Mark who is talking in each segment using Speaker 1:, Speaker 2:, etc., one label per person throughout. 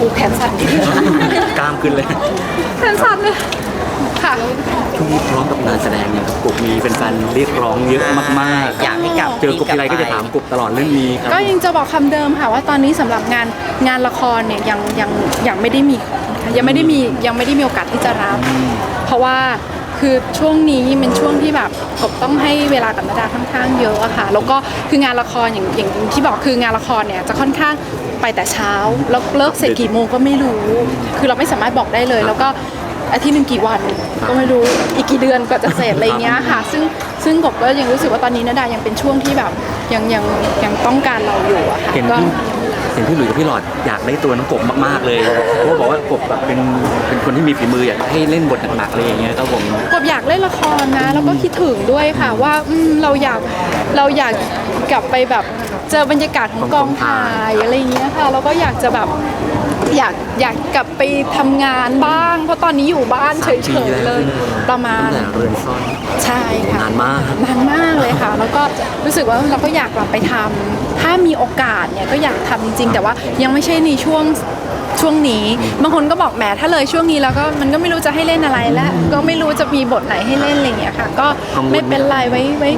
Speaker 1: แขนสั่น
Speaker 2: กล้ามขึ้นเลย
Speaker 1: แขนสั่นเลยค่ะ
Speaker 2: ช่วงนี้พร้อมกับงานแสดงเนี่ยกบมีเป็นแฟนเรียกร้องเยอะมากๆ
Speaker 3: อยากให้กลับ
Speaker 2: เจอกบทีไรก็จะถามกบตลอดเรื่องนี้ครับ
Speaker 1: ก็ยังจะบอกคำเดิมค่ะว่าตอนนี้สำหรับงานละครเนี่ยยังไม่ได้มียังไม่ได้มีโอกาสที่จะรับ เพราะว่าคือช่วงนี้เป็นช่วงที่แบบกบต้องให้เวลากับนาดาค่อนข้างเยอะอะค่ะแล้วก็คืองานละครอย่างที่บอกคืองานละครเนี่ยจะค่อนข้างไปแต่เช้าแล้วเลิกเสร็จกี่โมงก็ไม่รู้ คือเราไม่สามารถบอกได้เลย แล้วก็อาทิตย์หนึ่งกี่วันก็ไม่รู้อีกกี่เดือนกว่าจะเสร็จอะไรเงี้ยค่ะซึ่งกบก็ยังรู้สึกว่าตอนนี้นาดายังเป็นช่วงที่แบบยังต้องการเราอยู่อะค่ะ
Speaker 2: เห็น
Speaker 1: ก็
Speaker 2: พี่หลุยส์กับพี่หลอดอยากได้ตัวน้องกบมากๆเลยเพราะว่าบอกว่ากบแบบเป็นคนที่มีฝีมืออยากให้เล่นบทหนักๆอะไรอย่างเงี้ยครับผม
Speaker 1: กบอยากเล่นละครนะแล้วก็คิดถึงด้วยค่ะว่าเราอยากกลับไปแบบเจอบรรยากาศของกองถ่ายอะไรอย่างเงี้ยค่ะแล้วก็อยากจะแบบอยากกลับไปทำงานบ้าง เพราะตอนนี้อยู่บ้านเฉยๆเลยประมาณ
Speaker 2: ตั้งแต่เรือนซ่อน
Speaker 1: ใช่ค่ะ
Speaker 2: นานมาก
Speaker 1: นานมากเลยค่ะ แล้วก็รู้สึกว่าเราก็อยากกลับไปทำถ้ามีโอกาสเนี่ยก็อยากทำจริงๆแต่ว่ายังไม่ใช่ในช่วงนี้บางคนก็บอกแหมถ้าเลยช่วงนี้แล้วก็มันก็ไม่รู้จะให้เล่นอะไรแล้วก็ไม่รู้จะมีบทไหนให้เล่นอะไรอย่างเงี้ยค่ะ ก็ไม่เป็นไรไว้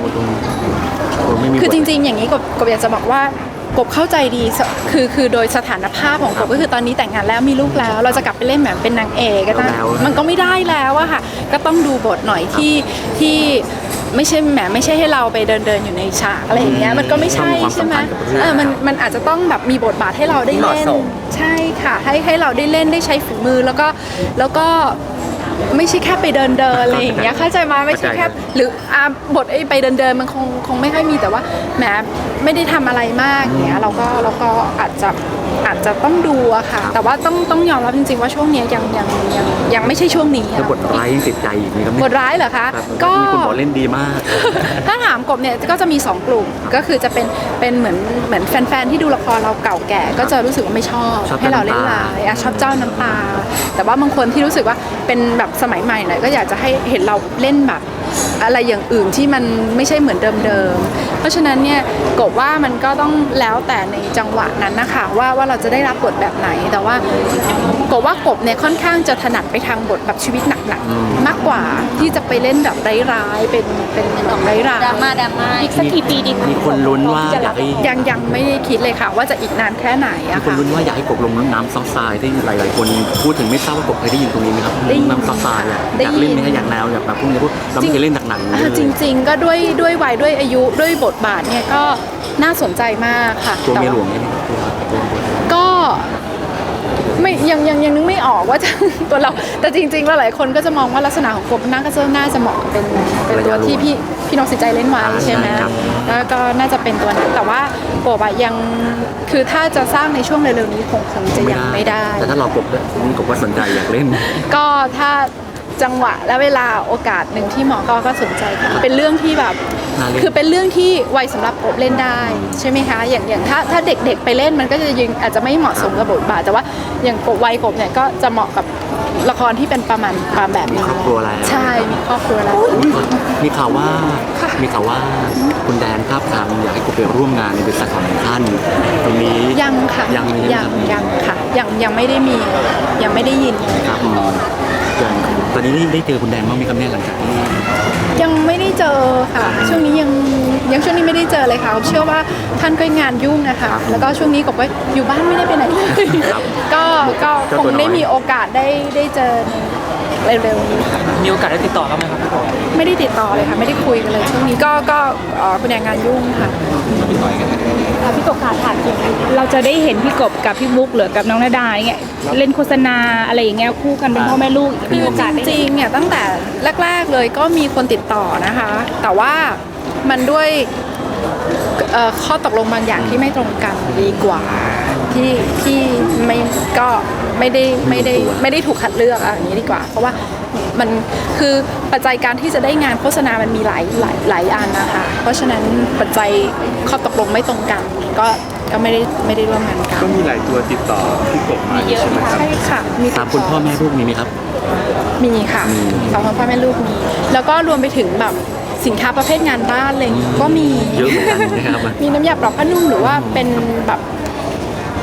Speaker 1: คือจริงๆอย่างนี้กบอยากจะบอกว่ากบเข้าใจดีคือโดยสถานภาพของกบก็คือตอนนี้แต่งงานแล้วมีลูกแล้ว เราจะกลับไปเล่นแบบเป็นนางเอกก็ได้มันก็ไม่ได้แล้วอะค่ะก็ต้องดูบทหน่อยที่ไม่ใช่ให้เราไปเดินอยู่ในฉากอะไรอย่างเงี้ยมันก็ไม่ใช่ใช่ไหมมันอาจจะต้องแบบมีบทบาทให้เราได้เล่นใช่ค่ะให้เราได้เล่นได้ใช้ฝีมือแล้วก็ไม่ใช่แค่ไปเดินอะไรอย่างเงี้ยเข้าใจมาไม่ใช่แค่หรือบทไปเดินมันคงไม่ค่อยมีแต่ว่าแหมไม่ได้ทำอะไรมากเงี้ยเราก็อาจจะต้องดูอะค่ะแต่ว่าต้องยอมรับจริงๆว่าช่วงนี้ยังไม่ใช่ช่วงนี้
Speaker 2: แล้วบทร้ายยังติดใจอีกไหมครับ
Speaker 1: บทร้ายเหรอคะ
Speaker 2: ก็
Speaker 1: ก็
Speaker 2: มีคนบอกเล่นดีมาก
Speaker 1: ถ้าถามกบเนี่ยก็จะมี2กลุ่มก็คือจะเป็นเหมือนแฟนๆที่ดูละครเราเก่าแก่ก็จะรู้สึกว่าไม่ชอบให้เราเล่นร้ายชอบเจ้าน้ำตาแต่ว่าบางคนที่รู้สึกว่าเป็นแบบสมัยใหม่หน่อยก็อยากจะให้เห็นเราเล่นแบบอะไรอย่างอื่นที่มันไม่ใช่เหมือนเดิมๆเพราะฉะนั้นเนี่ยกบว่ามันก็ต้องแล้วแต่ในจังหวะนั้นนะคะว่าเราจะได้รับบทแบบไหนแต่ว่ากบเนี่ยค่อนข้างจะถนัดไปทางบทแบบชีวิตหนักๆมากกว่าที่จะไปเล่นแบบร้ายๆเป็นร้ายๆ
Speaker 3: ดราม่าอีกสักกี่ปีดีคะ
Speaker 2: มีคนลุ้นว่าอยากให้
Speaker 1: ยังไม่ได้คิดเลยค่ะว่าจะอีกนานแค่ไหน
Speaker 2: มี
Speaker 1: อะ
Speaker 2: คน
Speaker 1: ค่ะ
Speaker 2: ลุ้นว่าอยากให้กบลงน้ำซอฟต์ทรายที่หลายๆคนพูดถึงไม่ทราบว่ากบเคยได้ยินตรงนี้ไหมครับ
Speaker 1: ได้ยิน
Speaker 2: น้ำซอฟต์ทรายอะ
Speaker 1: ได้
Speaker 2: อยา
Speaker 1: ยิน
Speaker 2: กเล่นไหมอยากแนวอยากแบบพวกนี้เราไม่เคยเล่นหนักๆอย่างนี้เลย
Speaker 1: จริงๆก็ด้วยวัยด้วยอายุด้วยบทบาทเนี่ยก็น่าสนใจมากค่ะ
Speaker 2: ตัวเมียหล
Speaker 1: แต่
Speaker 2: วงนี่ตัว
Speaker 1: ก็ไม่ยังนึกไม่ออกว่าจะ ตัวเราแต่จริงๆแล้วหลายคนก็จะมองว่าลักษณะของกบน่าจะเหมาะเป็นตัวที่พี่น้องสินใจเล่นไว้ใช่ไหมแล้วก็น่าจะเป็นตัวนั้นแต่ว่ากบอะยังคือถ้าจะสร้างในช่วงเร็วๆนี้คงจะยังไม่ได้
Speaker 2: แต่ถ้าเรากบว่าสนใจอยากเล่น
Speaker 1: ก็ถ้าจังหวะและเวลาโอกาสหนึ่งที่หมอก็สนใจค่ะเป็นเรื่องที่แบบ
Speaker 2: น่าเล่น
Speaker 1: คือเป็นเรื่องที่วัยสำหรับกบเล่นได้ใช่ไหมคะอย่างถ้าเด็กๆไปเล่นมันก็จะยังอาจจะไม่เหมาะสมกับบทบาทแต่ว่าอย่างวัยกบเนี่ยก็จะเหมาะกับละครที่เป็นประมาณแบบนี้
Speaker 2: มีครอบครัวแล้ว
Speaker 1: ใช่มีครอบครัวแล้ว
Speaker 2: มีข่าวว่าคุณแดนครับทางอยากให้กบไปร่วมงานในบริษัทของท่านตรงนี้
Speaker 1: ยังค่ะ
Speaker 2: ยัง
Speaker 1: ค่ะยังไม่ได้มียังไม่ได้ยิน
Speaker 2: ครับอย่างตอนนี้ได้เจอคุณแดนบ้างไหมครับเนี่ยหลังจากที่
Speaker 1: ยังไม่ได้เจอค่ะช่วงนี้ยังช่วงนี้ไม่ได้เจอเลยค่ะเชื่อว่าท่านก็งานยุ่งนะคะแล้วก็ช่วงนี้กบก็อยู่บ้านไม่ได้ไปไหนเลยก็คงได้มีโอกาสได้เจอเร็วๆนี้ค่ะ
Speaker 4: มีโอกาสได้ติดต่อกันไหมครับพี่กบ
Speaker 1: ไม่ได้ติดต่อเลยค่ะไม่ได้คุยกันเลยช่วงนี้ก็คุณแดงงานยุ่งค่ะ
Speaker 5: พี่กบขาถามจริงเราจะได้เห็นพี่กบกับพี่มุกหรือกับน้องนาดาเนี่ยเล่นโฆษณาอะไรอย่างเงี้ยคู่กันเป็นพ่อแม่ลูกมีโอกาส
Speaker 1: จ
Speaker 5: ได้
Speaker 1: ริงๆเนี่ยตั้งแต่แรกๆเลยก็มีคนติดต่อนะคะ แต่ว่ามันด้วยข้อตกลงบางอย่างที่ไม่ตรงกันดีกว่าที่ไม่ก็ไม่ได้ถูกคัดเลือกอย่างนี้ดีกว่า เพราะว่ามันคือปัจจัยการที่จะได้งานโฆษณามันมีหลายอันนะคะเพราะฉะนั้นปัจจัยข้อตกลงไม่ตรงกันก็ไม่ได้ร่วมงานกัน
Speaker 6: ก็มีหลายตัวติดต่อพี่กบมาใช่ไหมครับ
Speaker 1: ใช่ค่ะมี
Speaker 2: ตามคุณพ่อแม่ลูกมีไหมครับ
Speaker 1: มีค่ะสองคนพ่อแม่ลูกมีแล้วก็รวมไปถึงแบบสินค้าประเภทงานบ้านอะไรอย่างเงี้ยก็มี
Speaker 2: เยอะเหมือนกันนะครับ
Speaker 1: มีน้ำยาปรับผ้านุ่มหรือว่าเป็นแบบ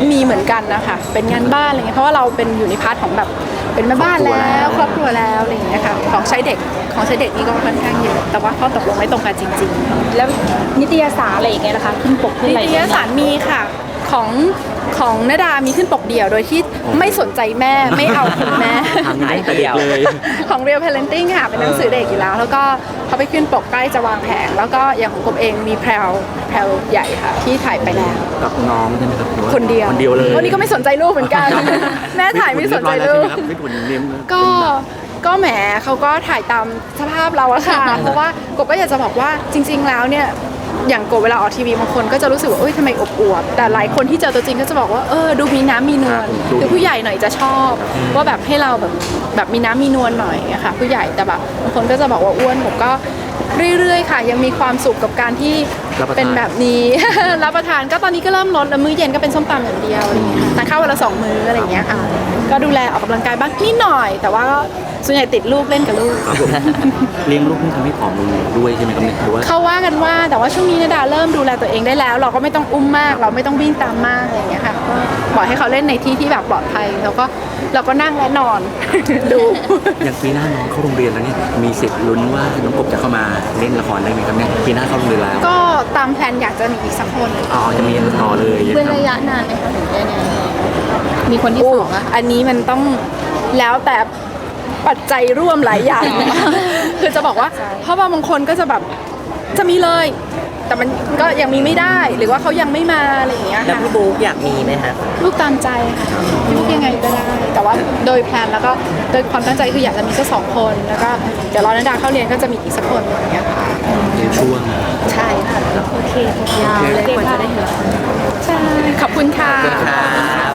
Speaker 1: มีเหมือนกันนะคะเป็นงานบ้านอะไรเงี้ยเพราะว่าเราเป็นอยู่ในพาร์ทของแบบเป็นแม่บ้านแล้วครอบครัวแล้วอะไรอย่างเงี้ยค่ะของใช้เด็กนี่ก็ค่อนข้างเยอะแต่ว่าข้อตกลงไม่ตรงกันจริงๆ
Speaker 5: แล้วนิตยสารอะไรอย่างเงี้ยนะคะขึ้นปกขึ้น
Speaker 1: นิ
Speaker 5: อะไร
Speaker 1: ตยสารมีค่ะของนดามีขึ้นปกเดี่ยวโดยที่ไม่สนใจแม่ไม่เอาคุณแม่
Speaker 2: ทำงานตั้งแต่เด็กเลย
Speaker 1: ของ Real Parenting ค่ะเป็นหนังสือเด็กอยู่แล้วแล้วก็เขาไปขึ้นปกใกล้จะวางแผงแล้วก็อย่างของกบเองมีแพรวใหญ่ค่ะที่ถ่ายไปแล้ว
Speaker 2: กับน้องใช่ไหมครับหรือว่า
Speaker 1: คนเดียว
Speaker 2: คนเดียวเลย
Speaker 1: วันนี้ก็ไม่สนใจลูกเหมือนกัน แม่ถ่ายไม่สนใจลูก
Speaker 2: ไม่ถุนเรียม
Speaker 1: ก็แหมเขาก็ถ่ายตามสภาพเราอะค่ะ เพราะว่ากบก็อยากจะบอกว่าจริง ๆ แล้วเนี่ยอย่างกบเวลาออกทีวีบางคนก็จะรู้สึกว่าเอ้ยทำไมอบอวบแต่หลายคนที่เจอตัวจริงก็จะบอกว่าดูมีน้ำมีนวลคือผู้ใหญ่หน่อยจะชอบ ว่าแบบให้เราแบบมีน้ำมีนวลหน่อยอะค่ะผู้ใหญ่แต่แบบบางคนก็จะบอกว่าอ้วนผมก็เรื่อยๆค่ะ ยังมีความสุขกับการที่เป็นแบบนี้ รับประทานก็ตอนนี้ก็เริ่มลดแล้วมื้อเย็นก็เป็นส้มตำอย่างเดียวอะไรอย่างเงี้ยทานข้าววันละ2 มื้ออะไรอย่างเงี้ยค่ะก็ดูแลออกกำลังกายบ้างนิดหน่อย แต่ว่าก็ส่วนใหญ่ติดลูกเล่นกับลูก
Speaker 2: ครับผมเลี้ยงลูกนี่ทำให้ผอมลงด้วยใช่ไหมครับเนี่ยหรือว่า
Speaker 1: เขาว่ากันว่าแต่ว่าช่วงนี้นดาเริ่มดูแลตัวเองได้แล้ว เราก็ไม่ต้องอุ้มมาก เราไม่ต้องวิ่งตามมากอะไรอย่างเงี้ยค่ะก็ปล่อยให้เขาเล่นในที่ที่แบบปลอดภัยแล้วก็เราก็นั่งและนอน ดู
Speaker 2: อย่างปีหน้าน้องเข้าโรงเรียนแล้วเนี่ยมีสิทธิ์ลุ้นว่าน้องกบจะเข้ามาเล่นละครได้ไหมครับเนี่ยปีหน้าเข้าโรงเรียนแล้ว
Speaker 1: ก็ตามแผนอยากจะมีอีกสักคน
Speaker 2: อ๋อจะมีต่อเลย
Speaker 3: เป็นระยะนานไหมคะถึงจะเนี่ยมีคนที่
Speaker 1: โอ้
Speaker 3: สองอะ
Speaker 1: อันนี้มันต้องแล้วแต่ปัจจัยร่วมหลายอย่าง คือจะบอกว่าเพราะว่าบางคนก็จะแบบจะมีเลย แต่มันก็ยังมีไม่ได้หรือว่าเขายังไม่มาอะไรอย่างเงี้ย
Speaker 4: แล้ว
Speaker 1: ค่ะ
Speaker 4: พี่บุ๊กอยากมีไหมคะ
Speaker 1: ลูกตามใจค่ะลูกยังไงก็ได้ แต่ว่าโดยแพลนแล้วก็โดยความตั้งใจคืออยากจะมีสัก2 คนแล้วก็เดี๋ยวรอนดาเข้าเรียนก็จะมีอีกสักคนอย่างเงี้ยค่ะ
Speaker 2: เป็นช่วง
Speaker 1: ใช่ค่ะ
Speaker 5: โอเค
Speaker 3: ยาวเลยกว่าจะได้เห็น
Speaker 1: ใช่ขอบคุณค่ะ
Speaker 4: ค่ะ